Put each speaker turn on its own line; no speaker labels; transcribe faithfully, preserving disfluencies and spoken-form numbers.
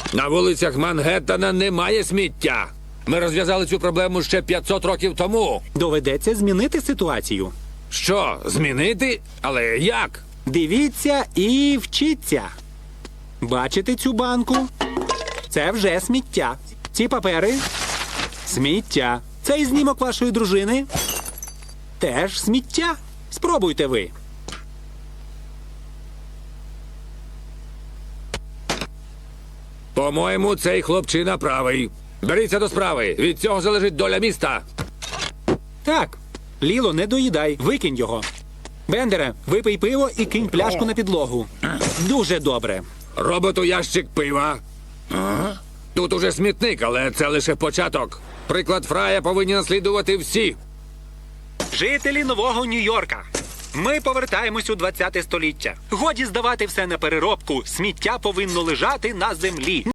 На вулицях Мангеттена немає сміття. Ми розв'язали цю проблему ще п'ятсот років тому.
Доведеться змінити ситуацію.
Що, змінити? Але як?
Дивіться і вчіться. Бачите цю банку? Це вже сміття. Ці папери – сміття. Цей знімок вашої дружини – теж сміття. Спробуйте ви.
По-моєму, цей хлопчина правий. Беріться до справи. Від цього залежить доля міста.
Так. Ліло, не доїдай. Викинь його. Бендере, випий пиво і кинь пляшку на підлогу. Дуже добре.
Роботу ящик пива. Тут уже смітник, але це лише початок. Приклад Фрая повинні наслідувати всі.
Жителі Нового Нью-Йорка. Ми повертаємось у двадцяте століття. Годі здавати все на переробку. Сміття повинно лежати на землі.